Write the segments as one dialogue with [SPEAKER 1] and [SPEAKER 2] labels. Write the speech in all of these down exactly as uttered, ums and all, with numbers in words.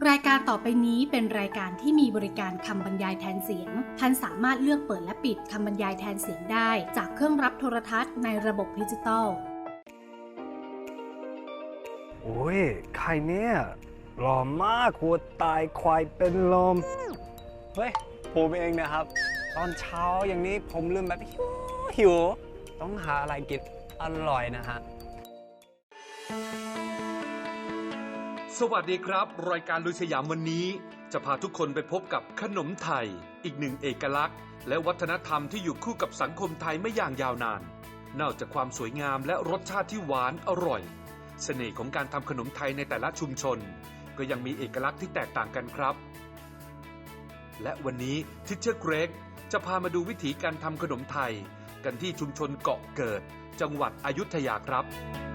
[SPEAKER 1] รายการต่อไปนี้เป็นรายการที่มีบริการคำบรรยายแทนเสียงท่านสามารถเลือกเปิดและปิดคำบรรยายแทนเสียงได้จากเครื่องรับโทรทัศน์ในระบบดิจิตอล
[SPEAKER 2] โอ้ยใครเนี่ยหล่อมากหัวตายควายเป็นลมเฮ้ยผมเองนะครับตอนเช้าอย่างนี้ผมลืมแบบหิวหิวต้องหาอะไรกินอร่อยนะฮะ
[SPEAKER 3] สวัสดีครับรายการลุยสยามวันนี้จะพาทุกคนไปพบกับขนมไทยอีกหนึ่งเอกลักษณ์และวัฒนธรรมที่อยู่คู่กับสังคมไทยไม่อย่างยาวนานนอกจากความสวยงามและรสชาติที่หวานอร่อยเสน่ห์ของการทำขนมไทยในแต่ละชุมชนก็ยังมีเอกลักษณ์ที่แตกต่างกันครับและวันนี้ทิชเชอร์เกรกจะพามาดูวิธีการทำขนมไทยกันที่ชุมชนเกาะเกิดจังหวัดอยุธยาครับ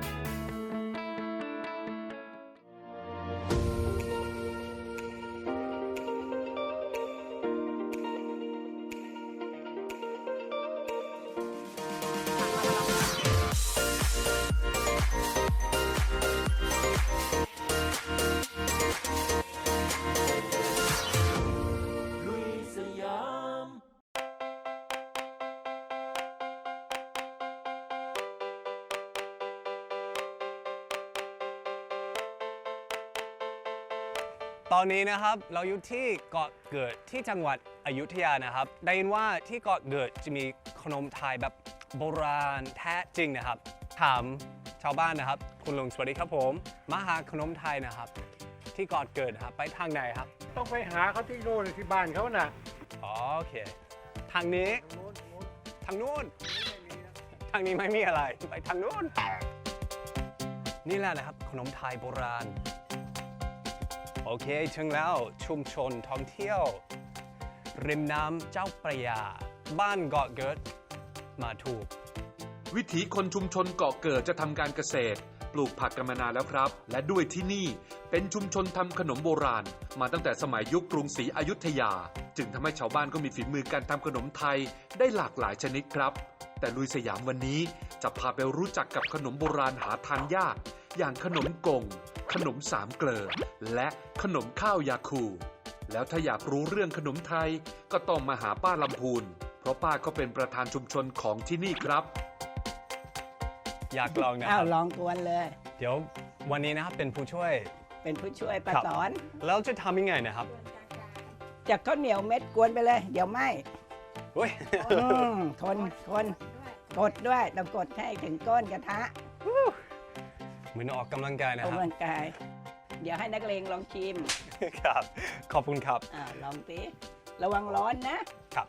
[SPEAKER 2] ตอนนี้นะครับเราอยู่ที่เกาะเกิดที่จังหวัดอยุธยานะครับได้ยินว่าที่เกาะเกิดจะมีขนมไทยแบบโบราณแท้จริงนะครับถามชาวบ้านนะครับคุณลุงสวัสดีครับผมมาหาขนมไทยนะครับที่เกาะเกิดนะครับไปทางไหนครับ
[SPEAKER 4] ต้องไปหาเขาที่โน่นที่บ้านเขาน่ะ
[SPEAKER 2] อ๋อโอเคทางนี้ทางนู้นทางนี้ไม่มีอะไรไปทางนู้นนี่แหละนะครับขนมไทยโบราณโอเคถึงแล้วชุมชนท่องเที่ยวริมน้ำเจ้าพระยาบ้านเกาะเกิดมาถูก
[SPEAKER 3] วิถีคนชุมชนเกาะเกิดจะทำการเกษตรปลูกผักกันมานานแล้วครับและด้วยที่นี่เป็นชุมชนทำขนมโบราณมาตั้งแต่สมัยยุคกรุงศรีอยุธยาจึงทำให้ชาวบ้านก็มีฝีมือการทำขนมไทยได้หลากหลายชนิดครับแต่ลุยสยามวันนี้จะพาไปรู้จักกับขนมโบราณหาทานยากอย่างขนมกงขนมสามเกลอและขนมข้าวยาคูแล้วถ้าอยากรู้เรื่องขนมไทยก็ต้องมาหาป้าลำพูนเพราะป้าก็เป็นประธานชุมชนของที่นี่ครับ
[SPEAKER 2] อยากลองนะค
[SPEAKER 5] อ้า
[SPEAKER 2] รั
[SPEAKER 5] ว
[SPEAKER 2] บ
[SPEAKER 5] ลองกวนเลย
[SPEAKER 2] เดี๋ยววันนี้นะครับเป็นผู้ช่วย
[SPEAKER 5] เป็นผู้ช่วยป้า
[SPEAKER 2] ครับ
[SPEAKER 5] สอน
[SPEAKER 2] แล้วจะทำยังไงนะครับ
[SPEAKER 5] จากข้าวเหนียวเม็ดกวนไปเลย เดี๋ยวไหม
[SPEAKER 2] เฮ้ย
[SPEAKER 5] อืมคนคนกดด้วยต้องกดให้ถึงก้นกระทะ
[SPEAKER 2] เหมือนออกกำลังกายนะ
[SPEAKER 5] ออก
[SPEAKER 2] ครับ
[SPEAKER 5] กำลังกาย เดี๋ยวให้นักเลงลองชิม
[SPEAKER 2] ครับขอบคุณครับ
[SPEAKER 5] อ่าลองสิระวังร้อนนะครับ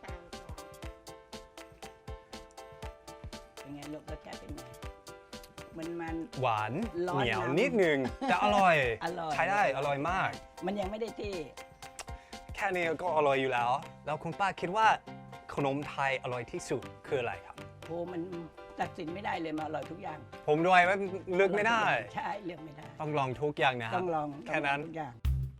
[SPEAKER 5] เป็นไงลูกรสชาติเป็นไงมันมัน
[SPEAKER 2] หวาน
[SPEAKER 5] ร้อน
[SPEAKER 2] เหนียว
[SPEAKER 5] น้ำ
[SPEAKER 2] นิดนึงแต่อร่อย
[SPEAKER 5] อร่อย
[SPEAKER 2] ใช้ได้อร่อยมาก
[SPEAKER 5] มันยังไม่ได้ที่
[SPEAKER 2] แค่นี้ก็อร่อยอยู่แล้ว แล้วคุณป้าคิดว่าขนมไทยอร่อยที่สุดคืออะไรครับ
[SPEAKER 5] โหมันตัดสินไม่ได้เลยมาอร่อยทุกอย่าง
[SPEAKER 2] ผมด้วยว่าเลือกไม่ได้
[SPEAKER 5] ใช่เลือกไม่ได้
[SPEAKER 2] ต้องลองทุกอย่างนะครั
[SPEAKER 5] ต้
[SPEAKER 2] บ
[SPEAKER 5] องลอง
[SPEAKER 2] แค่นั้น
[SPEAKER 5] ต้องลองทุกอย่าง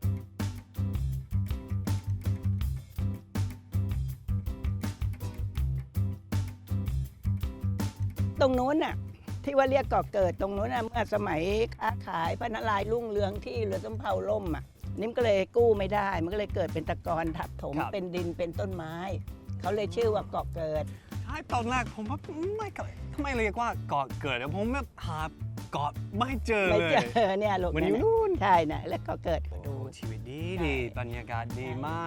[SPEAKER 5] ตรงนู้นน่ะที่ว่าเรียกก่อเกิดตรงนู้นน่ะเมื่อสมัยค้าขายพระนารายณ์รุ่งเรืองที่เรือสำเภาล่มอ่ะนิ่มก็เลยกู้ไม่ได้ มันก็เลยเกิดเป็นตะกอนทับถม
[SPEAKER 2] ครับ
[SPEAKER 5] เป็นดินเป็นต้นไม้ เขาเลยชื่อว่าเกาะเกิด
[SPEAKER 2] ใช่ตอนแรกผมว่าไม่เกิดทำไมเรียกว่าเกาะเกิดอะผมแบบหาเกาะไม่เจอ
[SPEAKER 5] ไม่
[SPEAKER 2] เล
[SPEAKER 5] เจ
[SPEAKER 2] ย
[SPEAKER 5] อเนี่ยลูก
[SPEAKER 2] มันอยู่
[SPEAKER 5] เย
[SPEAKER 2] นู่น
[SPEAKER 5] ใช่นะแล้วก็เกิด
[SPEAKER 2] โอ้
[SPEAKER 5] ดู
[SPEAKER 2] ชีวิตดี
[SPEAKER 5] ใช่
[SPEAKER 2] ดีบรรยากาศดีมาก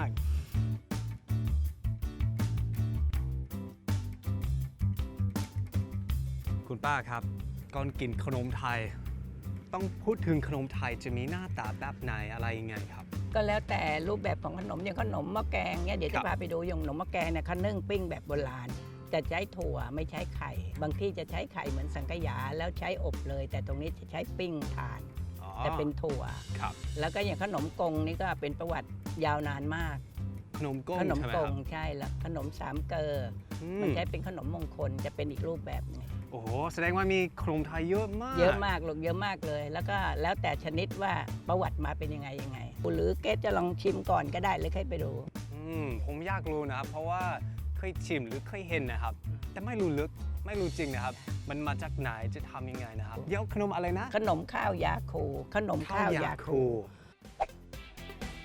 [SPEAKER 2] คุณป้าครับก่อนกินขนมไทย ต้องพูดถึงขนมไทยจะมีหน้าตาแบบไหนอะไรยังไงครับ
[SPEAKER 5] ก็แล้วแต่รูปแบบของขนมอย่างขนมหม้อแกงเนี่ยเดี๋ยว
[SPEAKER 2] ครั
[SPEAKER 5] จะ
[SPEAKER 2] บ
[SPEAKER 5] พาไปดูอย่างขนมหม้อแกงเนี่ยเขานึ่งปิ้งแบบโบราณจะใช้ถั่วไม่ใช้ไข่ บางที่จะใช้ไข่เหมือนสังขยาแล้วใช้อบเลย แต่ตรงนี้จะใช้ปิ้งทาน
[SPEAKER 2] อ๋อ
[SPEAKER 5] แต่เป็นถั่ว
[SPEAKER 2] ครับ
[SPEAKER 5] แล้วก็อย่างขนมกงนี่ก็เป็นประวัติยาวนานมาก
[SPEAKER 2] ขนมก้ง
[SPEAKER 5] ขนม
[SPEAKER 2] ใช่ไหม
[SPEAKER 5] ก
[SPEAKER 2] ครั
[SPEAKER 5] ง
[SPEAKER 2] บ
[SPEAKER 5] ใช่แล้วขนมสามเกลอ
[SPEAKER 2] อื
[SPEAKER 5] อมันใช้เป็นขนมมงคลจะเป็นอีกรูปแบบหนึง
[SPEAKER 2] โอ้โหแสดงว่ามีขนมไทยเยอะมาก
[SPEAKER 5] เยอะมากลูกเยอะมากเลย แล้วก็แล้วแต่ชนิดว่าประวัติมาเป็นยังไงยังไงหรือเกสจะลองชิมก่อนก็ได้หรือให้ไปดู
[SPEAKER 2] อืมผมอยากรู้นะครับเพราะว่าเคยชิมหรือเคยเห็นนะครับ แต่ไม่รู้ลึกไม่รู้จริงนะครับ มันมาจากไหนจะทำยังไงนะครับเดี๋ยวขนมอะไรนะ
[SPEAKER 5] ขนมข้าวยาคูขนมข้าวยาคู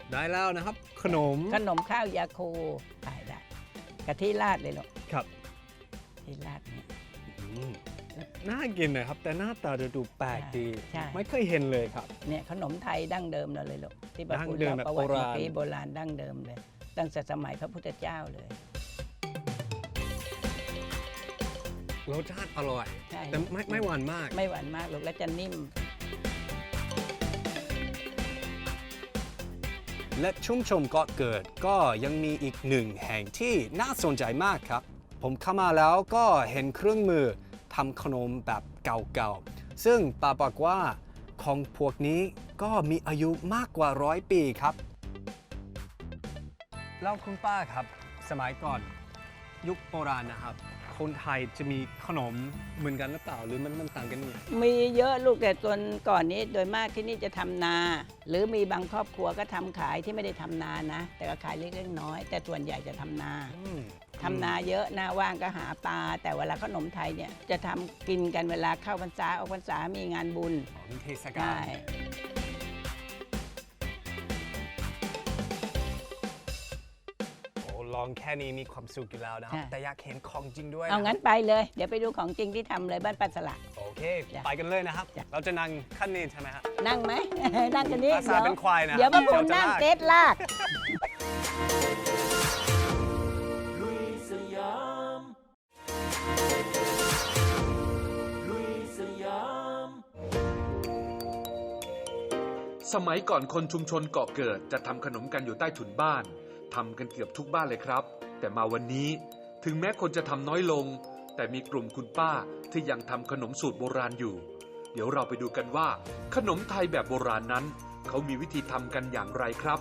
[SPEAKER 2] ได้แล้วนะครับ ขนม
[SPEAKER 5] ขนมข้าวยาคูขายได้กะทิราดเลยลูก
[SPEAKER 2] ครับ
[SPEAKER 5] ที่ราดเนี่ย
[SPEAKER 2] อืมน่ากินนะครับ แต่หน้าตาดูแปลกดี
[SPEAKER 5] ใช่
[SPEAKER 2] ไม่เคยเห็นเลยครับ
[SPEAKER 5] เนี่ยขนมไทยดั้งเดิมเราเลยลูกที่บา
[SPEAKER 2] ดั้ง
[SPEAKER 5] พูด
[SPEAKER 2] เดิม
[SPEAKER 5] เล่า
[SPEAKER 2] แบบ
[SPEAKER 5] ประวัติ
[SPEAKER 2] โบราณ
[SPEAKER 5] ปีโบราณดั้งเดิมเลย ตั้งแต่สมัยพระพุทธเจ้าเลย
[SPEAKER 2] รสชาติอร่อย
[SPEAKER 5] ใช่
[SPEAKER 2] แต่ไม่ไม่หวานมาก
[SPEAKER 5] ไม่หวานมากลูกและจะนิ่ม
[SPEAKER 2] และชุมชนเกาะเกิดก็ยังมีอีกหนึ่งแห่งที่น่าสนใจมากครับ ผมเข้ามาแล้วก็เห็นเครื่องมือทำขนมแบบเก่าๆ ซึ่งป้าบอกว่าของพวกนี้ก็มีอายุมากกว่าร้อยปีครับ แล้วคุณป้าครับ สมัยก่อนยุคโบราณนะครับ คนไทยจะมีขนมเหมือนกันหรือเปล่าหรือมันมันต่างกันยังไง
[SPEAKER 5] มีเยอะลูกแต่ส่วนก่อนนี้โดยมากที่นี่จะทำนา หรือมีบางครอบครัวก็ทำขายที่ไม่ได้ทำนานะ แต่ก็ขายเล็กๆน้อยๆแต่ส่วนใหญ่จะทำนา
[SPEAKER 2] อืม
[SPEAKER 5] ทำนาเยอะหน้าว่างก็หาปลาแต่เวลาขนมไทยเนี่ยจะทำกินกันเวลาเข้าพรรษาออกพรรษามีงานบุญ
[SPEAKER 2] ของเทศกา
[SPEAKER 5] ใช่
[SPEAKER 2] ล โอ้ลองแค่นี้มีความสุขอยู่แล้วนะครับ แต่อยากเห็นของจริงด้วย
[SPEAKER 5] เอางั้น
[SPEAKER 2] นะครับ
[SPEAKER 5] ไปเลย เดี๋ยวไปดูของจริงที่ทำเลยบ้านปัสสละ
[SPEAKER 2] โอเค
[SPEAKER 5] จ้ะ
[SPEAKER 2] ไปกันเลยนะครับ
[SPEAKER 5] จ้ะ
[SPEAKER 2] เราจะนั่งขั้นนี้ใช่ไหมครับ
[SPEAKER 5] นั่งไหม นั่งกันนี่
[SPEAKER 2] ภาษาเป็นควายนะ
[SPEAKER 5] เดี๋ยวมาปู
[SPEAKER 2] เดี๋ยวจะ
[SPEAKER 5] นั่ง
[SPEAKER 2] ลาก
[SPEAKER 5] เต็ดลาก
[SPEAKER 3] สมัยก่อนคนชุมชนเกาะเกิดจะทำขนมกันอยู่ใต้ถุนบ้านทำกันเกือบทุกบ้านเลยครับ แต่มาวันนี้ถึงแม้คนจะทำน้อยลง แต่มีกลุ่มคุณป้าที่ยังทำขนมสูตรโบราณอยู่ เดี๋ยวเราไปดูกันว่า ขนมไทยแบบโบราณนั้น เขามีวิธีทำกันอย่างไรครับ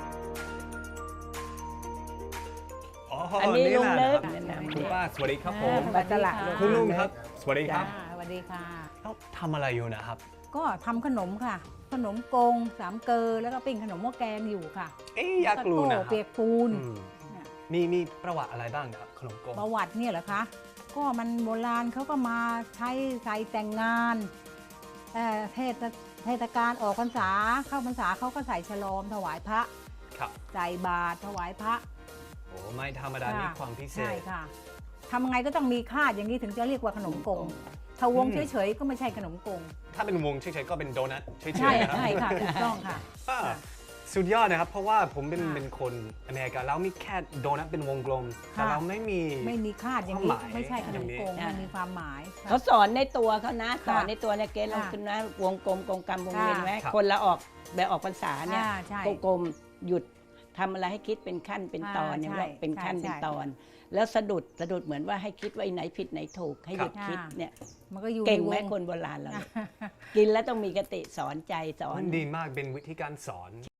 [SPEAKER 2] อ๋อ
[SPEAKER 5] อันนี้ลุง
[SPEAKER 2] แห
[SPEAKER 5] เลิ
[SPEAKER 2] ละ
[SPEAKER 5] ก
[SPEAKER 2] นะครับ
[SPEAKER 5] แนะนำ
[SPEAKER 2] คุณป้าสวัสดีครับผม
[SPEAKER 5] ปัสสละลูก
[SPEAKER 2] คุณลุงครับ สวัสดีค
[SPEAKER 6] จ้า
[SPEAKER 2] รับ
[SPEAKER 6] สวัสดีค่ะ
[SPEAKER 2] แล้วทำอะไรอยู่นะครับ
[SPEAKER 6] ก็ทำขนมค่ะ ขนมกงสามเกลอแล้วก็ปิ้งขนมหม้อแกงอยู่ค่ะ
[SPEAKER 2] เอ๊ะอยากรู้นะค
[SPEAKER 6] แล้ว
[SPEAKER 2] รับ
[SPEAKER 6] เปียกปูน
[SPEAKER 2] อืม
[SPEAKER 6] เนี่ย
[SPEAKER 2] มีมีประวัติอะไรบ้างครับขนมกง
[SPEAKER 6] ประวัติเนี่ยเหรอคะ ก็มันโบราณเขาก็มาใช้ใส่แต่งงานเอ่อเทศเทศกาลออกพรรษาเข้าพรรษาเขาก็ใส่ฉลอมถวายพระ
[SPEAKER 2] ครับ
[SPEAKER 6] ใส่บาตรถวายพระ
[SPEAKER 2] โอ้ไม่ธรรมดามีความพิเศ
[SPEAKER 6] ใช่
[SPEAKER 2] ษ
[SPEAKER 6] ค่ะทำไงก็ต้องมีคาดอย่างนี้ถึงจะเรียกว่าขนมกง ถ้าวง
[SPEAKER 2] อืม
[SPEAKER 6] เฉยๆก็ไม่ใช่ขนมกง
[SPEAKER 2] ถ้าเป็นวงเฉยๆก็เป็นโดนัทเฉยๆ
[SPEAKER 6] ใช่
[SPEAKER 2] นะครับ
[SPEAKER 6] ใช่ค่ะถูกต้องค่ะ
[SPEAKER 2] อ่าสุดยอดนะครับ เพราะว่าผมเป็น
[SPEAKER 6] ค่ะ
[SPEAKER 2] เป็นคนอเมริกาแล้วมีแค่โดนัทเป็นวงกลม แต่
[SPEAKER 6] ค่ะ
[SPEAKER 2] เราไม่มี
[SPEAKER 6] ไม่มีคาดอย่าง
[SPEAKER 2] ความ
[SPEAKER 6] นี้
[SPEAKER 2] หมาย
[SPEAKER 6] ไม่ใช่ขนมกง
[SPEAKER 5] อย่างนี้
[SPEAKER 6] มันมีความหมายค่ะ
[SPEAKER 5] เขาสอนในตัวเขานะ ส
[SPEAKER 6] ค่ะ
[SPEAKER 5] อนในตัวเนี่ยเกณฑ์ลง
[SPEAKER 6] ค่ะ
[SPEAKER 5] ขึ้นนะวงกลมกงกรรมวงเวียน
[SPEAKER 6] ค่ะ
[SPEAKER 5] ไหม
[SPEAKER 2] ครับ
[SPEAKER 5] คนละออกแบบออกพรรษาเนี่ย
[SPEAKER 6] อ่าใช่
[SPEAKER 5] กลมๆหยุดทำอะไรให้คิดเป็นขั้นเป็นตอน
[SPEAKER 6] อ่า
[SPEAKER 5] เนี่ย
[SPEAKER 6] ใช่
[SPEAKER 5] เราเป็นขั้น
[SPEAKER 6] ใช่
[SPEAKER 5] เป็น
[SPEAKER 6] ใช่
[SPEAKER 5] ตอน แล้วสะดุดสะดุดเหมือนว่าให้คิดว่าไอ้ไหนผิดไหนถูกให้หยุด
[SPEAKER 6] ครับ
[SPEAKER 5] คิดเนี่ย
[SPEAKER 6] มันก็อยู่
[SPEAKER 5] เก่ง
[SPEAKER 6] ในว
[SPEAKER 5] ไหมคนโบราณเราเนี่ยกินแล้วต้องมีกติสอนใจสอน
[SPEAKER 2] มันดีมากเป็นวิธีการสอน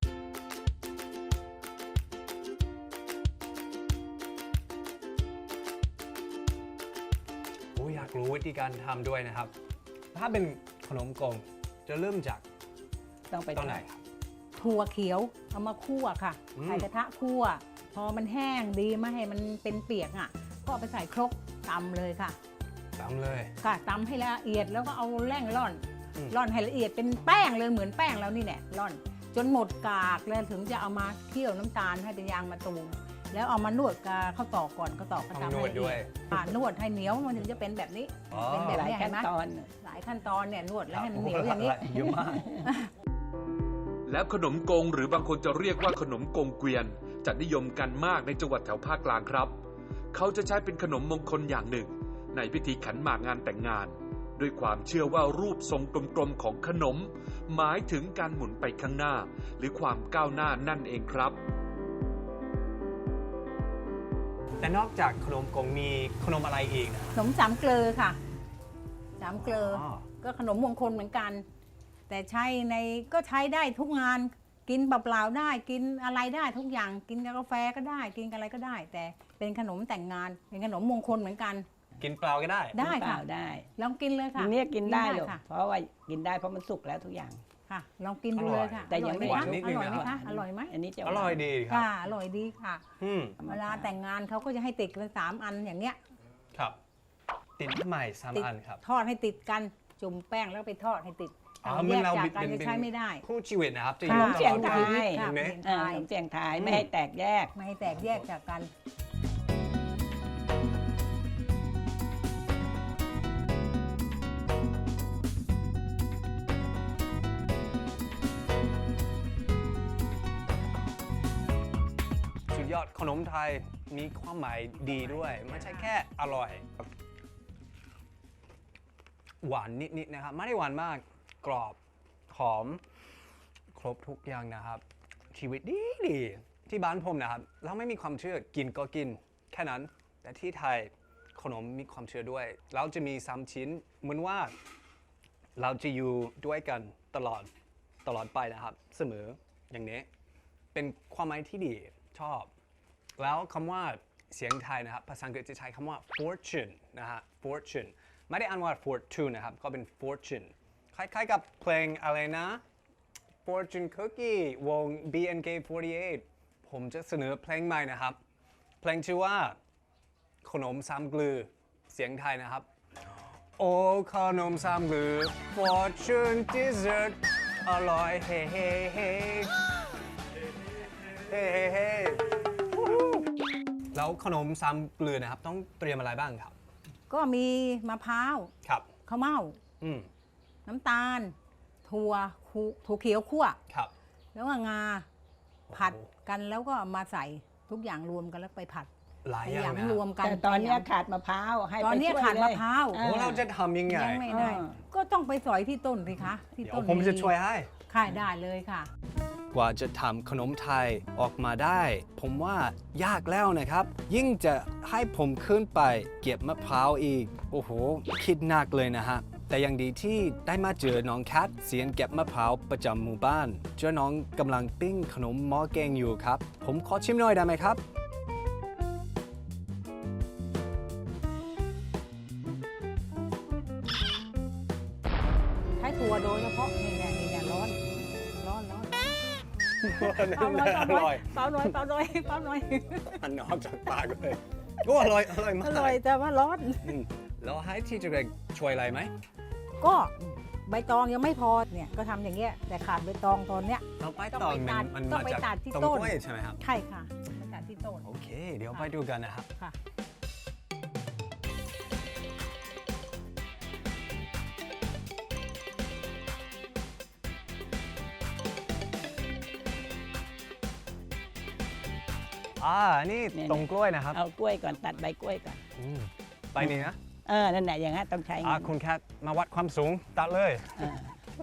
[SPEAKER 2] โอ้อยากรู้วิธีการทำด้วยนะครับ ถ้าเป็นขนมกงจะเริ่มจาก
[SPEAKER 5] ต้องไป
[SPEAKER 2] ตอนไหนครับ
[SPEAKER 6] ถั่วเขียวเอามาคั่วค่ะ
[SPEAKER 2] อืม
[SPEAKER 6] ใส่กระทะคั่ว พอมันแห้งดีไม่ให้มันเป็นเปียกอ่ะ ก็เอาไปใส่ครกตำเลยค่ะ
[SPEAKER 2] ตามเลย
[SPEAKER 6] ค่ะตำให้ละเอียดแล้วก็เอาแร่งร่อน
[SPEAKER 2] อืม
[SPEAKER 6] ร่อนให้ละเอียดเป็นแป้งเลยเหมือนแป้งแล้วนี่แหละร่อน จนหมดกากแล้วถึงจะเอามาเคี่ยวน้ำตาลให้เป็นยางมะตูมแล้วเอามานวดกาข้าวตอกก่อนข้าวตอกก็
[SPEAKER 2] ต้อง
[SPEAKER 6] ตำ
[SPEAKER 2] น
[SPEAKER 6] ให้
[SPEAKER 2] วด
[SPEAKER 6] ละ
[SPEAKER 2] ด้
[SPEAKER 6] เอี
[SPEAKER 2] วย
[SPEAKER 6] ยดอ่านวดให้เหนียวมันถึงจะเป็นแบบนี้
[SPEAKER 2] อ๋อ
[SPEAKER 6] เป็นแบบ
[SPEAKER 5] หลาย
[SPEAKER 6] นี้
[SPEAKER 5] ขั้
[SPEAKER 6] เห็
[SPEAKER 5] น
[SPEAKER 6] นไหม
[SPEAKER 5] ตอน
[SPEAKER 6] หลายขั้นตอนเนี่ยนวดแล้วให้มัน
[SPEAKER 2] ครับ
[SPEAKER 6] เหนียวอย่างนี้
[SPEAKER 2] เยอะมาก
[SPEAKER 3] แล้วขนมกงหรือบางคนจะเรียกว่าขนมกงเกวียนจะนิยมกันมากในจังหวัดแถวภาคกลางครับ เขาจะใช้เป็นขนมมงคลอย่างหนึ่ง ในพิธีขันหมากงานแต่งงาน ด้วยความเชื่อว่ารูปทรงกลมๆของขนม หมายถึงการหมุนไปข้างหน้า หรือความก้าวหน้านั่นเองครับ
[SPEAKER 2] แต่นอกจากขนมกงมีขนมอะไรอีกนะ
[SPEAKER 6] ขนมสามเกลอค่ะสามเกลอ
[SPEAKER 2] อ๋อ
[SPEAKER 6] ก็ขนมมงคลเหมือนกัน แต่ใช้ในก็ใช้ได้ทุกงานกินเปล่าๆได้กินอะไรได้ทุกอย่างกินกับกาแฟก็ได้ กินกับอะไรก็ได้ แต่เป็นขนมแต่งงานเป็นขนมมงคลเหมือนกัน
[SPEAKER 2] กินเปล่าก็ได้
[SPEAKER 6] ได้
[SPEAKER 5] เป
[SPEAKER 6] ค่ะ
[SPEAKER 5] ล่าได้
[SPEAKER 6] ลองกินเลยค่ะ
[SPEAKER 5] ทีนี้กินได้หรอก
[SPEAKER 6] ค่ะ
[SPEAKER 5] เพราะว่ากินได้เพราะมันสุกแล้วทุกอย่าง
[SPEAKER 6] ค่ะ ลองกินดูเลยค่ะ
[SPEAKER 5] แต่ยังไม่
[SPEAKER 6] อร่อย
[SPEAKER 2] หวานนิด
[SPEAKER 6] ไหม
[SPEAKER 2] นึง
[SPEAKER 6] คะอร่อยไหม
[SPEAKER 2] นะครั
[SPEAKER 6] คะ
[SPEAKER 2] บ
[SPEAKER 6] อร่อยไหม
[SPEAKER 5] อันนี้จะ
[SPEAKER 2] อร่อยดีครั
[SPEAKER 6] ค่ะ
[SPEAKER 2] บ
[SPEAKER 6] อร่อยดีค่ะ
[SPEAKER 2] อืม
[SPEAKER 6] เวลาแต่งงานเขาก็จะให้ติดกันสามอันอย่างเงี้ย
[SPEAKER 2] ครับ ติดใหม่สาม
[SPEAKER 6] ติด
[SPEAKER 2] อันครับ
[SPEAKER 6] ทอดให้ติดกันจุ่มแป้งแล้วก็ไปทอดให้ติด
[SPEAKER 2] อ๋อ
[SPEAKER 6] แย
[SPEAKER 2] เมื่อก เรา
[SPEAKER 6] จาก
[SPEAKER 2] เป็น
[SPEAKER 6] กันจะ
[SPEAKER 2] เป็น
[SPEAKER 6] ใช้ไม่ได้
[SPEAKER 2] คู่ชีวิตนะครับจะ
[SPEAKER 6] ค่ะ
[SPEAKER 2] อยู่
[SPEAKER 5] เสียง
[SPEAKER 2] ตลอด
[SPEAKER 5] ไทย
[SPEAKER 2] เวลา
[SPEAKER 6] ค่ะ
[SPEAKER 2] เห็นไหม
[SPEAKER 6] เสียง
[SPEAKER 5] เออขนมเสียงไทยไม่ให้แตกแยก
[SPEAKER 6] ไม่ให้แตกแยกจากกัน
[SPEAKER 2] สุดยอดขนมไทยมีความหมายดีด้วย ไม่ใช่แค่อร่อย หวานนิดๆนะครับ ไม่ได้หวานมากกรอบหอม ครบทุกอย่างนะครับ ชีวิตดีดีที่บ้านผมนะครับ เราไม่มีความเชื่อกินก็กินแค่นั้น แต่ที่ไทยขนมมีความเชื่อด้วย เราจะมีสามชิ้นเหมือนว่าเราจะอยู่ด้วยกันตลอดตลอดไปนะครับ เสมออย่างนี้ เป็นความหมายที่ดีชอบ แล้วคำว่าเสียงไทยนะครับภาษาอังกฤษจะใช้คำว่า fortune นะฮะ fortune ไม่ได้อ่านว่า fortune นะครับ ก็เป็น fortune คล้ายๆกับเพลงอะไรนะ fortune cookie วง บี เอ็น เค สี่สิบแปด ผมจะเสนอเพลงใหม่นะครับ เพลงชื่อว่าขนมสามกลือเสียงไทยนะครับ โอ้ขนมสามกลือ fortune dessert อร่อยเฮ้เฮ้เฮ้เฮ้เฮ้เฮ้แล้วขนมสามเกลือนะครับ ต้องเตรียมอะไรบ้างครับ
[SPEAKER 6] ก็มีมะพร้าว
[SPEAKER 2] ครับ
[SPEAKER 6] ข้าวเม่า
[SPEAKER 2] อืม
[SPEAKER 6] น้ำตาล ถั่วคูถั่วเขียวคั่ว
[SPEAKER 2] ครับ
[SPEAKER 6] แล้วก็งาผัดกันแล้วก็มาใส่ทุกอย่างรวมกันแล้วไปผัด
[SPEAKER 2] หลาย
[SPEAKER 6] ไป
[SPEAKER 2] อย่างนะ
[SPEAKER 6] ยำรวมกัน
[SPEAKER 5] แต่ตอนเนี้ย
[SPEAKER 6] ไปย
[SPEAKER 5] ขาดมะพร้าวให้
[SPEAKER 6] ำตอน
[SPEAKER 5] ไป
[SPEAKER 6] เนี้ย
[SPEAKER 5] ช่วย
[SPEAKER 6] ขาด
[SPEAKER 5] เลย
[SPEAKER 6] มะพร้าว
[SPEAKER 5] เอ
[SPEAKER 2] โอ้เราจะทำยังไง
[SPEAKER 6] ยังไม่ได้
[SPEAKER 5] เออ
[SPEAKER 6] ก็ต้องไปสอยที่ต้นสิคะ ที่
[SPEAKER 2] เดี๋ย
[SPEAKER 6] ต้
[SPEAKER 2] วน ผมจะช่วยให้
[SPEAKER 6] ค่ะได้เลยค่ะ
[SPEAKER 2] กว่าจะทำขนมไทยออกมาได้ ผมว่ายากแล้วนะครับ ยิ่งจะให้ผมขึ้นไปเก็บมะพร้าวอีก โอ้โห คิดหนักเลยนะฮะ แต่ยังดีที่ได้มาเจอน้องแคทเซียนเก็บมะพร้าวประจำหมู่บ้าน เจอน้องกำลังปิ้งขนมหม้อแกงอยู่ครับ ผมขอชิมหน่อยได้ไหมครับ
[SPEAKER 6] ใช้ถั่วโดยเฉพาะนี่แน่นี่แน่ร้อนร้อนร้อนเปล่าหน่อย
[SPEAKER 2] อ
[SPEAKER 6] เปล่าหน่
[SPEAKER 2] ร่
[SPEAKER 6] อ
[SPEAKER 2] อย
[SPEAKER 6] ยเปล่าหน่อยเปล่าหน่อยเปล่าหน่อย
[SPEAKER 2] มันออกจากปากเลยก็อร่อย อร่อยมา
[SPEAKER 6] อก ร่อยแต่ว่าร้อน
[SPEAKER 2] อืมแล้วให้ที่จะช่วยอะไรไหม
[SPEAKER 6] ก็ใบตองยังไม่พอเนี่ยก็ทำอย่างเงี้ยแต่ขาดใบตองตอนเนี้ย
[SPEAKER 2] เราไป
[SPEAKER 6] ต้อง
[SPEAKER 2] ต่อ
[SPEAKER 6] ไป
[SPEAKER 2] มั
[SPEAKER 6] ตั
[SPEAKER 2] น
[SPEAKER 6] ด
[SPEAKER 2] มัน
[SPEAKER 6] ต้อง
[SPEAKER 2] มา
[SPEAKER 6] ไป
[SPEAKER 2] จาก
[SPEAKER 6] ตัดที่
[SPEAKER 2] ต้น
[SPEAKER 6] ต้น
[SPEAKER 2] กล้วยใช่ไหมครับ
[SPEAKER 6] ใช่ค่ะไปตัดที่ต้น
[SPEAKER 2] โอเค เดี๋ยวไปดูกันนะครับ
[SPEAKER 6] ค่ะ
[SPEAKER 2] อ่า นี่ตรงกล้วยนะครับ
[SPEAKER 5] เอากล้วยก่อนตัดใบกล้วยก่อน
[SPEAKER 2] อืมไปนี่นะ
[SPEAKER 5] เออนั่นแหละอย่างนั้นต้องใช้
[SPEAKER 2] อ่า
[SPEAKER 5] เงิน
[SPEAKER 2] คุณแคทมาวัดความสูง ตัดเลย
[SPEAKER 5] เออ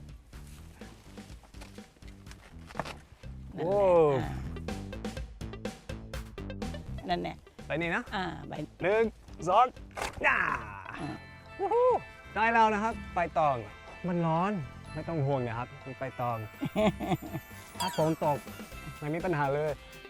[SPEAKER 2] โอ้
[SPEAKER 5] นั่นแหละ
[SPEAKER 2] ไปนี่นะ
[SPEAKER 5] อ่าใบ
[SPEAKER 2] หนึ่งสองย่า
[SPEAKER 5] อ่า
[SPEAKER 2] วู้ฮู้ได้แล้วนะครับ ใบตอง มันร้อน ไม่ต้องห่วงนะครับมันใบตอง ถ้าฝนตก ไม่มีปัญหาเลย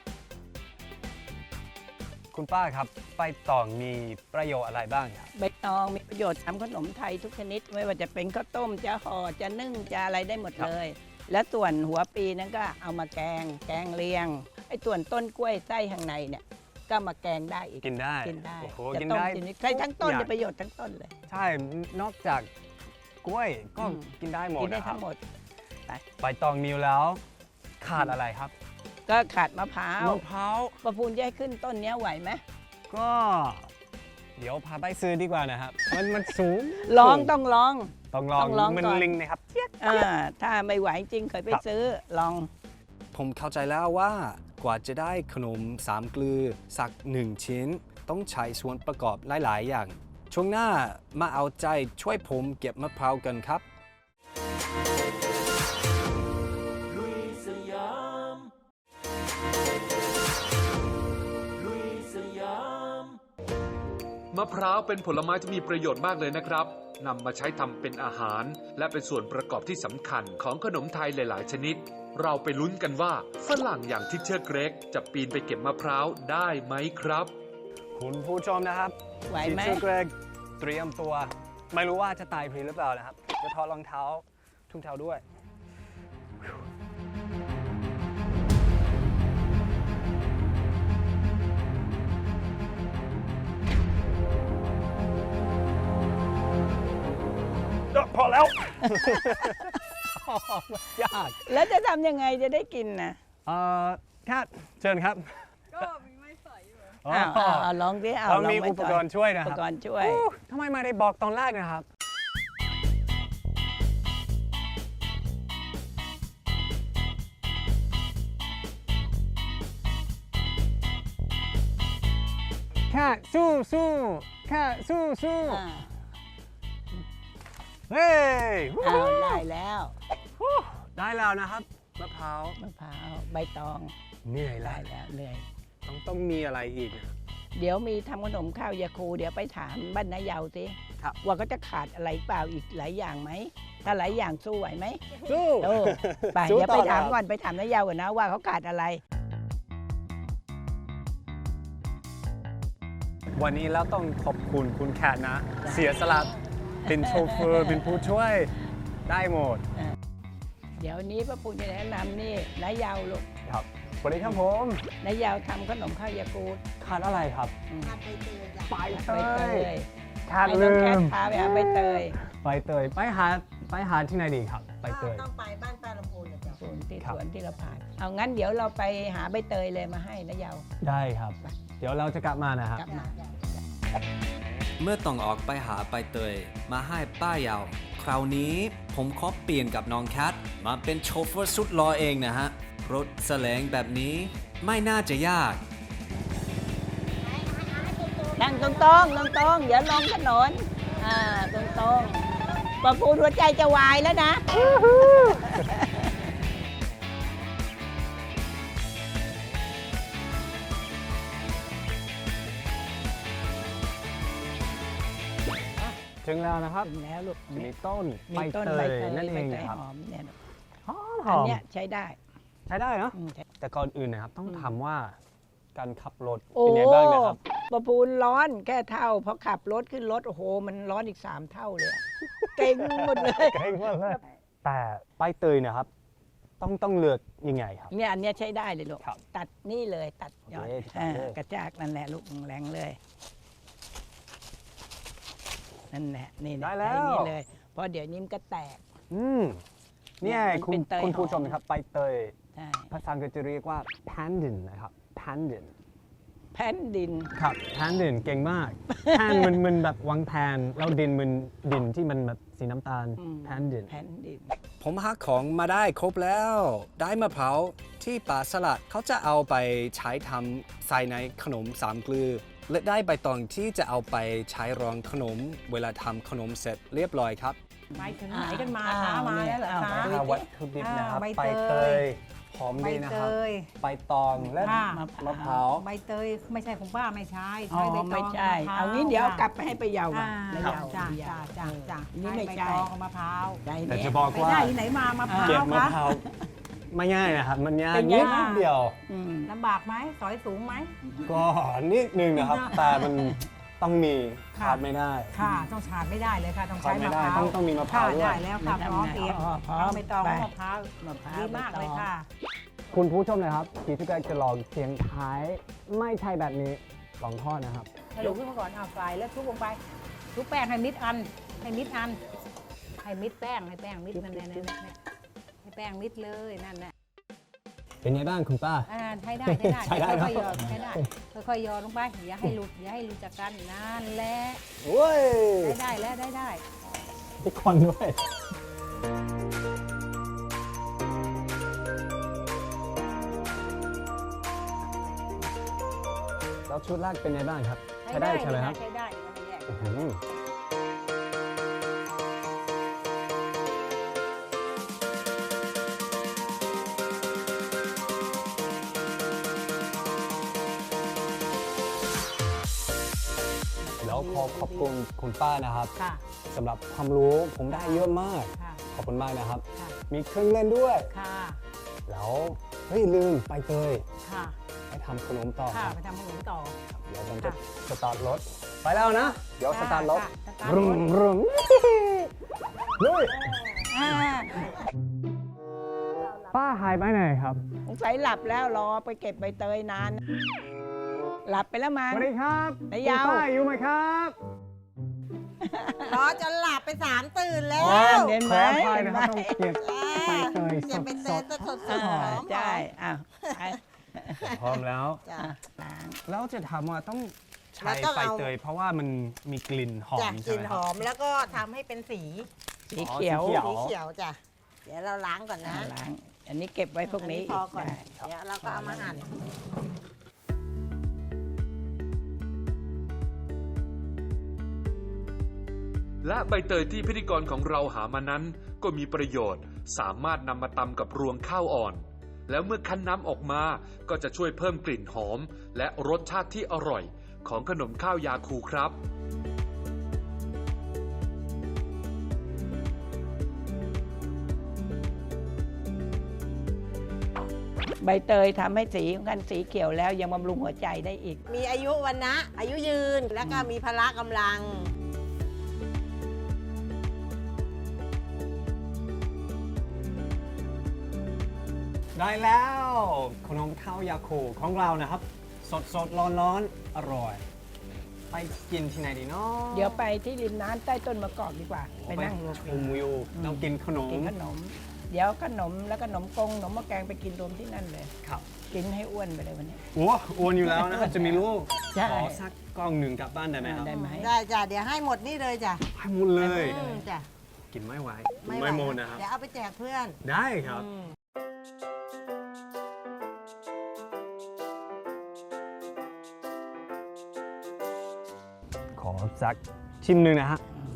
[SPEAKER 2] คุณป้าครับ ใบตองมีประโยชน์อะไรบ้างครับ
[SPEAKER 5] ใบตองมีประโยชน์ทำขนมไทยทุกชนิด ไม่ว่าจะเป็นข้าวต้มจะห่อจะนึ่งจะอะไรได้หมด
[SPEAKER 2] ครับ
[SPEAKER 5] เลย และส่วนหัวปีนั้นก็เอามาแกง แกงเลียงไอ้ส่วนต้นกล้วยไส้ข้างในเนี่ยก็มาแกงได้อีก
[SPEAKER 2] กินได้
[SPEAKER 5] กินได้
[SPEAKER 2] โอ้โห
[SPEAKER 5] จะ
[SPEAKER 2] กิน
[SPEAKER 5] ต้ม
[SPEAKER 2] ได้
[SPEAKER 5] กินใช้ทั้งต้น
[SPEAKER 2] ทุกอ
[SPEAKER 5] จะ
[SPEAKER 2] ย่าง
[SPEAKER 5] ประโยชน์ทั้งต้นเลย
[SPEAKER 2] ใช่ นอกจากกล้วยก็
[SPEAKER 5] อืม
[SPEAKER 2] กินได้หมด
[SPEAKER 5] กินได้
[SPEAKER 2] นะครั
[SPEAKER 5] ทั้
[SPEAKER 2] บ
[SPEAKER 5] งหมด
[SPEAKER 2] ใบตองมีอยู่แล้ว ขาดอะไรครับ
[SPEAKER 5] ก็ขาดมะพร้าว
[SPEAKER 2] มะพร้าว
[SPEAKER 5] ประพูนจะให้ขึ้นต้นเนี้ยไหวไหม
[SPEAKER 2] ก็ เดี๋ยวพาไปซื้อดีกว่านะครับ มันมันสูง
[SPEAKER 5] ลองต้องลอง
[SPEAKER 2] ต้องลอง
[SPEAKER 5] ต้องลอง
[SPEAKER 2] มัน
[SPEAKER 5] ก่อน
[SPEAKER 2] ลิงนะครับ
[SPEAKER 5] อ่าถ้าไม่ไหวจริงเคยไป
[SPEAKER 2] ครับ
[SPEAKER 5] ซื้อลอง
[SPEAKER 2] ผมเข้าใจแล้วว่ากว่าจะได้ขนมสามเกลือสักหนึ่งชิ้น ต้องใช้ส่วนประกอบหลาย ๆ อย่าง ช่วงหน้ามาเอาใจช่วยผมเก็บมะพร้าวกันครับ
[SPEAKER 3] มะพร้าวเป็นผลไม้ที่มีประโยชน์มากเลยนะครับนำมาใช้ทำเป็นอาหาร และเป็นส่วนประกอบที่สำคัญของขนมไทยหลาย ๆ ชนิด เราไปลุ้นกันว่าฝรั่งอย่างทิชเชอร์เกรกจะปีนไปเก็บมะพร้าวได้ไหมครับ
[SPEAKER 2] คุณผู้ชมนะครับ
[SPEAKER 5] ไหวไหม
[SPEAKER 2] ทีเจอร์เกรกเตรียมตัว ไม่รู้ว่าจะตายพรีหรือเปล่านะครับ จะถอดรองเท้าทุ่งเท้าด้วย พอแล้วยาก
[SPEAKER 5] แล้วจะทำยังไงจะได้กินนะ
[SPEAKER 2] เอ่อแค่เชิญครับ
[SPEAKER 7] ก็มีไม้สอยอยู่
[SPEAKER 2] อ๋อ
[SPEAKER 5] อ้าวอ้าวอ้าวลองดิเอา
[SPEAKER 2] เรา
[SPEAKER 5] ลอง
[SPEAKER 2] มี
[SPEAKER 5] ไว้
[SPEAKER 2] อุปกรณ์ช่วยนะ
[SPEAKER 5] อุ
[SPEAKER 2] ค
[SPEAKER 5] ป
[SPEAKER 2] รับ
[SPEAKER 5] กรณ์ช่วย
[SPEAKER 2] อู้ทำไมไม่ได้บอกตอนแรกนะครับ แค่สู้สู้แค่สู้สู้
[SPEAKER 5] อ่า
[SPEAKER 2] เฮ้ย
[SPEAKER 5] อ้าวได้แล้ว
[SPEAKER 2] ฮู้ได้แล้วนะครับมะพร้าว
[SPEAKER 5] มะพร้าวใบตอง
[SPEAKER 2] เหนื่อยแล้
[SPEAKER 5] ได้
[SPEAKER 2] ว
[SPEAKER 5] แล้วเหนื่อย
[SPEAKER 2] ต้องต้องมีอะไรอีกนะ
[SPEAKER 5] เดี๋ยวมีทำขนมข้าวยาคูเดี๋ยวไปถามบ้านนายเยาวสิ
[SPEAKER 2] ครับ
[SPEAKER 5] ว่าก็จะขาดอะไรเปล่าอีกหลายอย่างไหมถ้าหลายอย่างสู้ไหวไหม
[SPEAKER 2] สู้
[SPEAKER 5] โอ้ไป
[SPEAKER 2] สู้
[SPEAKER 5] เดี๋ยวไป
[SPEAKER 2] ต่
[SPEAKER 5] ถาม
[SPEAKER 2] ครับ
[SPEAKER 5] ก่อนไปถามนายเยาวก่อนนะว่าเขาขาดอะไร
[SPEAKER 2] วันนี้เราต้องขอบคุณคุณแคทนะ เสียสละเป็นโชเฟอร์เป็นผู้ช่วยได้หมด
[SPEAKER 5] เดี๋ยวนี้พระปูจะแนะนำนี่นายเยาวลูก
[SPEAKER 2] ครับสวัสดีครับผม
[SPEAKER 5] นายเยาวทำขนมข้าวยาคู
[SPEAKER 2] ขาดอะไรครับ
[SPEAKER 5] อืม
[SPEAKER 2] ใบเต
[SPEAKER 5] ใบเต
[SPEAKER 2] ย
[SPEAKER 5] ย
[SPEAKER 2] ขาด
[SPEAKER 5] ให้
[SPEAKER 2] ลื
[SPEAKER 5] น้องแคท
[SPEAKER 2] ม
[SPEAKER 5] พาไปหาใบเตย
[SPEAKER 2] ใบเตยไปหาไปหาที่ไหนดีครับใบเตย
[SPEAKER 7] ต้องไปบ้านป้าลำพูนนะจ๊ะ
[SPEAKER 5] สวนที่
[SPEAKER 2] ครั
[SPEAKER 5] ส
[SPEAKER 2] บ
[SPEAKER 5] วนที่เราผ่าน เอางั้นเดี๋ยวเราไปหาใบเตยเลยมาให้นายเยาว
[SPEAKER 2] ได้ครับ เดี๋ยวเราจะกลับมานะครับ
[SPEAKER 5] กลับมา
[SPEAKER 8] เมื่อต้องออกไปหาใบเตยมาให้ป้ายาว คราวนี้ผมขอเปลี่ยนกับน้องแคทมาเป็นโชเฟอร์สุดหล่อเองนะฮะ รถแสลงแบบนี้ไม่น่าจะยาก
[SPEAKER 5] นั่งตรงๆตรงตรงๆอย่าลงถนน อ่า ตรงตรงๆประปูหัวใจจะวายแล้วนะ
[SPEAKER 2] ถึงแล้วนะครับ
[SPEAKER 5] ถึงแล้วลูก
[SPEAKER 2] มีต้น
[SPEAKER 5] มี
[SPEAKER 2] ใบ
[SPEAKER 5] ต้น
[SPEAKER 2] เต
[SPEAKER 5] ใบ
[SPEAKER 2] ย
[SPEAKER 5] เตย
[SPEAKER 2] นั่นเอง
[SPEAKER 5] ใบเตย
[SPEAKER 2] นะครับ
[SPEAKER 5] หอมเนี่ยลูก
[SPEAKER 2] หอมห
[SPEAKER 5] อั
[SPEAKER 2] อน ม
[SPEAKER 5] เนี้ยใช้ได้
[SPEAKER 2] ใช้ได้เนาะ
[SPEAKER 5] อืมใช้
[SPEAKER 2] แต่ก่อนอื่นนะครับ ต้อง
[SPEAKER 5] อืม
[SPEAKER 2] ถามว่าการขับรถ
[SPEAKER 5] โอ้
[SPEAKER 2] เป็นไงบ้างนะครับ
[SPEAKER 5] ประปูนร้อนแค่เท่าพอขับรถขึ้นรถ โอ้โห มันร้อนอีกสามเท่าเลยอะเก่งหมดเลย
[SPEAKER 2] เก่งมากเลยแต่ใบเตยเนะครับ ต้องต้องเลือกยังไงครับ
[SPEAKER 5] เนี่ยอันเนี้ยใช้ได้เลยลูก
[SPEAKER 2] ครับ
[SPEAKER 5] ตัดนี่เลยตัดยอด
[SPEAKER 2] โอเค
[SPEAKER 5] อ่า
[SPEAKER 2] เลย
[SPEAKER 5] กระจากนั่นแหละลูกแรงเลย นั่นแหละนี่นะ
[SPEAKER 2] ได้แล้ว
[SPEAKER 5] ใช้นี่เลยเพราะเดี๋ยวนี้มันก็แตก
[SPEAKER 2] อืมเนี่ย
[SPEAKER 5] มัน
[SPEAKER 2] คุณ
[SPEAKER 5] เป็นเตย
[SPEAKER 2] คุณผู้
[SPEAKER 5] หอม
[SPEAKER 2] ชมนะครับใบเตย
[SPEAKER 5] ใช่
[SPEAKER 2] ภาษาอังกฤษจะเรียกว่า pandan นะครับ pandan
[SPEAKER 5] แผ่นดิน
[SPEAKER 2] ครับ pandan เก่งมาก pan มันมันแบบวางแผนแล้วดินมันดินที่มันแบบสีน้ำตาล
[SPEAKER 5] อืม
[SPEAKER 2] pandan
[SPEAKER 5] แผ่นดิน
[SPEAKER 8] ผมหาของมาได้ครบแล้ว ได้มะพร้าวที่ป่าสลัดเขาจะเอาไปใช้ทำใส่ในขนมสามเกลือ และได้ใบตองที่จะเอาไปใช้รองขนม เวลาทำขนมเสร็จเรียบร้อยครับ
[SPEAKER 6] ไปถึงไหนกันมา
[SPEAKER 5] อ้าว
[SPEAKER 6] คะมา
[SPEAKER 5] เนี่ย
[SPEAKER 6] แล้วเหรอ
[SPEAKER 5] อ้าว
[SPEAKER 6] คะ
[SPEAKER 5] ไป
[SPEAKER 2] อ่าวัตถุดิบนะครับ
[SPEAKER 6] อ่า
[SPEAKER 2] ใบ
[SPEAKER 6] ใบ
[SPEAKER 2] เต
[SPEAKER 6] เต
[SPEAKER 2] ย
[SPEAKER 6] ย
[SPEAKER 2] หอม
[SPEAKER 6] ใบ
[SPEAKER 2] ดีนะ
[SPEAKER 6] เต
[SPEAKER 2] ครับ
[SPEAKER 6] ย
[SPEAKER 2] ใบตองและ
[SPEAKER 6] ค่ะ
[SPEAKER 2] มะพร้าว
[SPEAKER 6] ใบเตยไม่ใช่ของป้าไม่ใช่
[SPEAKER 5] อ๋อ
[SPEAKER 6] ใช้ใบตอง
[SPEAKER 5] ไม่ใช่
[SPEAKER 6] มะพร้ว
[SPEAKER 5] เอางี้เดี๋ยวเอากลับไปให้ไปเยาว์
[SPEAKER 6] อ่า
[SPEAKER 5] มา
[SPEAKER 6] จ้า
[SPEAKER 5] เยาว์
[SPEAKER 6] จ้า
[SPEAKER 5] เยา
[SPEAKER 6] จ้า
[SPEAKER 5] ว์
[SPEAKER 6] จ้าจ้า
[SPEAKER 5] อันนี้ไม่
[SPEAKER 6] ใบ
[SPEAKER 5] ใช่
[SPEAKER 6] ตองกับมะพร้าว
[SPEAKER 5] ได้
[SPEAKER 2] แต่
[SPEAKER 5] เนี่ย
[SPEAKER 2] จะบอก
[SPEAKER 6] ไป
[SPEAKER 2] ว่า
[SPEAKER 6] ได้ที่ไหนมามะพร้าว
[SPEAKER 2] เก็บมะ
[SPEAKER 6] คะ
[SPEAKER 2] พร้าวไม่ง่ายนะครับ มันยาก
[SPEAKER 5] เป็นไง
[SPEAKER 2] นิด
[SPEAKER 6] บ้าง
[SPEAKER 2] เดียว
[SPEAKER 5] อืม
[SPEAKER 6] ลำบากไหมสอยสูงไหม
[SPEAKER 2] ก็นิดนึงนะครับ แต่มันต้องมี
[SPEAKER 6] ค่ะ
[SPEAKER 2] ขาดไม่ได้
[SPEAKER 6] ค่ะต้องขาดไม่ได้เลยค่ะต้อง
[SPEAKER 2] ขา
[SPEAKER 6] ใช้
[SPEAKER 2] ดไม่
[SPEAKER 6] มะ
[SPEAKER 2] ได้
[SPEAKER 6] พร้าว
[SPEAKER 2] ต้องต้องมีมะพร้าว
[SPEAKER 6] ค่ะ
[SPEAKER 2] ด้วย
[SPEAKER 6] ได้แล้วค่ะพร้อมเอง
[SPEAKER 5] อ๋อพร้อม
[SPEAKER 6] ทั้งใบตอง
[SPEAKER 5] ไป
[SPEAKER 6] และมะพร้าว
[SPEAKER 5] มะพร้าว
[SPEAKER 6] ดีมากเลยค่ะ
[SPEAKER 2] คุณผู้ชมนะครับที่ทุกคนจะลองเสียงท้ายไม่ใช่แบบนี้ลองทอดนะครับ
[SPEAKER 6] กระดูกขึ้นมาก่อนเอาใส่แล้วทุบลงไปทุบแป้งให้มิดอัน ให้มิดอัน ให้มิดแป้งให้แป้งมิดนั่นแหละนั่นแหละให้แป้งมิดเลยนั่นแหละ
[SPEAKER 2] เป็นไงบ้างคุณป้า
[SPEAKER 6] อ่าใช้ได้ใช้ได้
[SPEAKER 2] ใช้ได้
[SPEAKER 6] ค่อยๆหย
[SPEAKER 2] ครั
[SPEAKER 6] อบ ดใช้ได้ค่อยๆหยอดลงไปอย่าให้หลุดอย่าให้หลุดจากกันนั่นแหละ
[SPEAKER 2] โอ้ย
[SPEAKER 6] ได้ได้แล้วได้ได้
[SPEAKER 2] ทุกคนด้วยแล้วชุดแรกเป็นไงบ้างครับ ใช้ได้ใช่ไหมครับ
[SPEAKER 6] ใช้ได้ไม่แยก
[SPEAKER 2] อื้อหือแล้วขอขอบคุณคุณป้านะครับ
[SPEAKER 6] ค่ะ
[SPEAKER 2] สำหรับความรู้ผมได้เยอะมาก
[SPEAKER 6] ค่ะ
[SPEAKER 2] ขอบคุณมากนะครับ
[SPEAKER 6] ค่ะ
[SPEAKER 2] มีเครื่องเล่นด้วย
[SPEAKER 6] ค่ะ
[SPEAKER 2] แล้วเฮ้ยลืมไปเตย
[SPEAKER 6] ค่ะ
[SPEAKER 2] ไปทำขนมต่อ
[SPEAKER 6] ค่ะ
[SPEAKER 2] ครับ
[SPEAKER 6] ไปทำขนมต่อ
[SPEAKER 2] เดี๋ยวผมจะ
[SPEAKER 6] ค่ะ
[SPEAKER 2] สตาร์ทรถไปแล้วนะ เดี๋ยวสตาร์ทรถ
[SPEAKER 6] ค่ะสตาร์ท
[SPEAKER 2] รุ
[SPEAKER 6] ร
[SPEAKER 2] ม
[SPEAKER 6] ถ
[SPEAKER 2] รุมลุย
[SPEAKER 6] อ่า
[SPEAKER 2] ป้าหายไปไหนครับ
[SPEAKER 5] สงสัยหลับแล้วรอไปเก็บใบเตยนาน หลับไปแล้วมั้
[SPEAKER 2] ส
[SPEAKER 5] ง
[SPEAKER 2] วัสดีครับ
[SPEAKER 5] นายยาว
[SPEAKER 2] คุณป้าอยู่ไหมครับ
[SPEAKER 7] รอจนหลับไปสามตื่นแล้
[SPEAKER 5] อ๋อ
[SPEAKER 7] ว
[SPEAKER 5] เห็นไหม
[SPEAKER 2] ขออภัยนะครับต้องเก็บ
[SPEAKER 7] ใบ
[SPEAKER 2] เตย
[SPEAKER 7] เก็บใบเตยสดสดๆห
[SPEAKER 5] อ่า
[SPEAKER 7] อมๆ
[SPEAKER 5] ใช่อ้าวไป
[SPEAKER 2] พร้อมแล้ว
[SPEAKER 7] จ้ะ
[SPEAKER 5] อ่ะล้าง
[SPEAKER 2] แล้วจะทำว่าต้องใช้
[SPEAKER 7] แล้วต้อง
[SPEAKER 2] ใบ
[SPEAKER 7] เอา
[SPEAKER 2] เตยเพราะว่ามันมีกลิ่นหอ
[SPEAKER 7] จ้ะ
[SPEAKER 2] ม
[SPEAKER 7] ก
[SPEAKER 2] ใช่
[SPEAKER 7] ลิ่น
[SPEAKER 2] ไหม
[SPEAKER 7] ห
[SPEAKER 2] ครับ
[SPEAKER 7] อมแล้วก็ทำให้เป็นสี
[SPEAKER 5] สีเขียว
[SPEAKER 2] อ๋อสีเขียว
[SPEAKER 7] สีเขียวจ้ะเดี๋ยวเราล้างก่อนนะ
[SPEAKER 5] อ่าล้าง อันนี้เก็บไว้พวกนี้
[SPEAKER 7] อัพอก่อน
[SPEAKER 5] ได้
[SPEAKER 7] เดี๋ยวเราก็เอามาหั่น
[SPEAKER 3] และใบเตยที่พิธีกรของเราหามานั้นก็มีประโยชน์ สามารถนำมาตำกับรวงข้าวอ่อน แล้วเมื่อคั้นน้ำออกมาก็จะช่วยเพิ่มกลิ่นหอม และรสชาติที่อร่อยของขนมข้าวยาคูครับ
[SPEAKER 5] ใบเตยทำให้สีของกันสีเขียวแล้วยังบำรุงหัวใจได้อีก
[SPEAKER 7] มีอายุวันนะอายุยืนแล้วก็มีพละกำลัง
[SPEAKER 2] ได้แล้วขนมข้าวยาคูของเรานะครับ สดสดร้อนร้อนๆอร่อย ไปกินที่ไหนดีเนาะ
[SPEAKER 5] เดี๋ยวไปที่ริมน้ำใต้ต้นมะกอกดีกว่า ไปนั่งรวม
[SPEAKER 2] ชมวิวเรากินขนม
[SPEAKER 5] กินขนม เดี๋ยวขนมแล้วก็ขนมกงขนมหมะแกงไปกินรวมที่นั่นเลย
[SPEAKER 2] ครับ
[SPEAKER 5] กินให้อ้วนไปเลยวันนี้
[SPEAKER 2] โอ้อ้วนอยู่แล้วนะครับ จะมีลูก
[SPEAKER 5] ใช่
[SPEAKER 2] ขอสักกล้องหนึ่งกลับบ้านได้ไหมครับ
[SPEAKER 5] ได้ไหม
[SPEAKER 7] ได้จ้ะเดี๋ยวให้หมดนี่เลยจ้ะ
[SPEAKER 2] ให้หมดเลย
[SPEAKER 7] อืมจ้ะ
[SPEAKER 2] กินไม่ไหว
[SPEAKER 7] ไม่
[SPEAKER 2] ไม่
[SPEAKER 7] ไหว
[SPEAKER 2] หมดนะครับ
[SPEAKER 7] เดี๋ยวเอาไปแจกเพื่อน
[SPEAKER 2] ได้ครับ
[SPEAKER 7] อืม
[SPEAKER 2] ขอสักชิมหนึ่งนะฮะ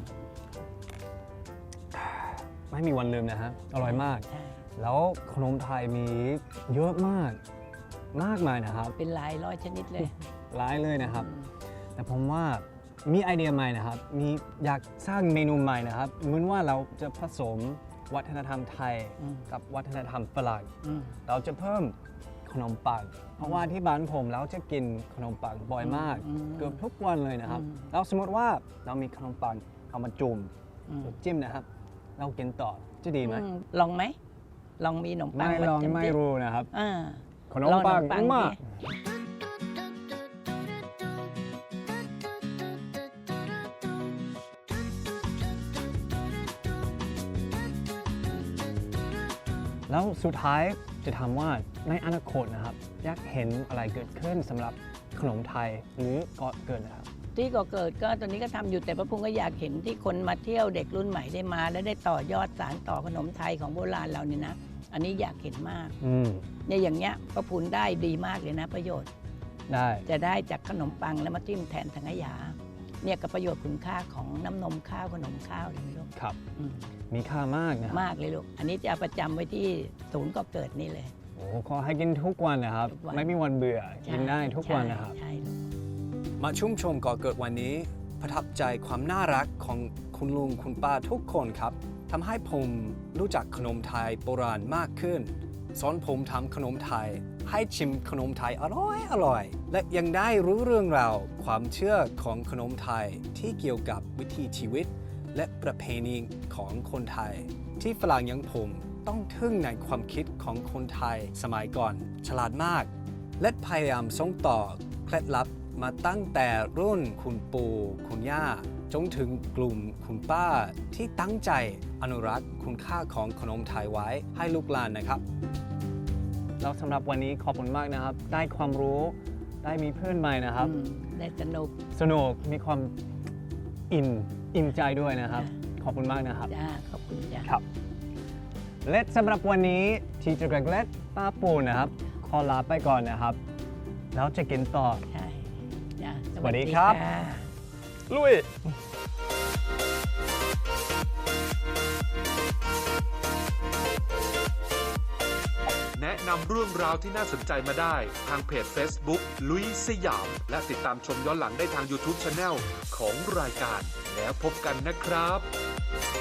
[SPEAKER 2] ไม่มีวันลืมนะฮะอร่อยมาก
[SPEAKER 5] ใช่
[SPEAKER 2] แล้วขนมไทยมีเยอะมาก มากมายนะครับ
[SPEAKER 5] เป็นหลายร้อยชนิดเลย
[SPEAKER 2] หลายเลยนะครับ แต่ผมว่ามีไอเดียใหม่นะครับ มีอยากสร้างเมนูใหม่นะครับ เหมือนว่าเราจะผสมวัฒนธรรมไทย
[SPEAKER 5] อืม
[SPEAKER 2] กับวัฒนธรรมฝรั่ง
[SPEAKER 5] อืม
[SPEAKER 2] เราจะเพิ่มขนมปัง เพราะว่าที่บ้านผมเราจะกินขนมปังบ่อยมาก
[SPEAKER 5] อืม
[SPEAKER 2] เกือบทุกวันเลยนะครับ
[SPEAKER 5] อืม
[SPEAKER 2] แล้วสมมติว่าเรามีขนมปังเอามาจุ่ม
[SPEAKER 5] อืม
[SPEAKER 2] จิ้มนะครับ เรากินต่อจะดีไหม
[SPEAKER 5] อืมลองไหม ลองมีขนมปัง
[SPEAKER 2] ไม่ลอง
[SPEAKER 5] าจิ้
[SPEAKER 2] ไม่
[SPEAKER 5] ดิ
[SPEAKER 2] รู้นะครับ
[SPEAKER 5] อ่า
[SPEAKER 2] ขนมปัง
[SPEAKER 5] ลองขนมปัง
[SPEAKER 2] มาก
[SPEAKER 5] ดิ
[SPEAKER 2] แล้วสุดท้ายจะถามว่าในอนาคตนะครับ อยากเห็นอะไรเกิดขึ้นสำหรับขนมไทยหรือเกาะเกิดนะครับ
[SPEAKER 5] ที่ก่อเกิดก็ตอนนี้ก็ทำอยู่แต่พระพุงก็อยากเห็นที่คนมาเที่ยวเด็กรุ่นใหม่ได้มา และได้ต่อยอดสารต่อขนมไทยของโบราณเราเนี่ยนะ อันนี้อยากเห็นมาก
[SPEAKER 2] อืม
[SPEAKER 5] เนี่ยอย่างเงี้ยพระพุนได้ดีมากเลยนะ ประโยชน์
[SPEAKER 2] ได้
[SPEAKER 5] จะได้จากขนมปังแล้วมาจิ้มแทนสังขยา เนี่ยกับประโยชน์คุณค่าของน้ำนมข้าวขนมข้าวเลยลูก
[SPEAKER 2] ครับ
[SPEAKER 5] อืม
[SPEAKER 2] มีค่ามากนะครับ
[SPEAKER 5] มากเลยลูก อันนี้จะเอาประจำไว้ที่ศูนย์ก่อเกิดนี่เลย
[SPEAKER 2] โอ้ขอให้กินทุกวันนะครับ
[SPEAKER 5] ทุกวัน
[SPEAKER 2] ไม่มีวันเบื่อ กินได้ทุกวันนะครับ
[SPEAKER 5] ใช่ใช่ลูก
[SPEAKER 8] มาชุ่มชมก่อเกิดวันนี้ ประทับใจความน่ารักของคุณลุงคุณป้าทุกคนครับทำให้ผมรู้จักขนมไทยโบราณมากขึ้น สอนผมทำขนมไทย ให้ชิมขนมไทยอร่อยอร่อย และยังได้รู้เรื่องราวความเชื่อของขนมไทยที่เกี่ยวกับวิถีชีวิต และประเพณีของคนไทย ที่ฝรั่งอย่างผมต้องทึ่งในความคิดของคนไทยสมัยก่อนฉลาดมาก และพยายามส่งต่อเคล็ดลับมาตั้งแต่รุ่นคุณปู่คุณย่าจนถึงกลุ่มคุณป้าที่ตั้งใจอนุรักษ์คุณค่าของขนมไทยไว้ให้ลูกหลานนะครับ
[SPEAKER 2] แล้วสำหรับวันนี้ขอบคุณมากนะครับ ได้ความรู้ได้มีเพื่อนใหม่นะครับ
[SPEAKER 5] อืมได้สนุก
[SPEAKER 2] สนุกมีความอิ่มอิ่มใจด้วยนะครับ ขอบคุณมากนะครับ
[SPEAKER 5] จ้าขอบคุณจ้า
[SPEAKER 2] ครับ และสำหรับวันนี้ทีเจอร์เกรกและป้าปูนะครับ ขอลาไปก่อนนะครับ แล้วจะกินต่อ
[SPEAKER 5] ใช่จ้า
[SPEAKER 2] สวัสดีครับ
[SPEAKER 5] ะ
[SPEAKER 2] ลุย
[SPEAKER 3] แนะนำเรื่องราวที่น่าสนใจมาได้ทางเพจ Facebook ลุยสยาม และติดตามชมย้อนหลังได้ทาง YouTube Channel ของรายการ แล้วพบกันนะครับ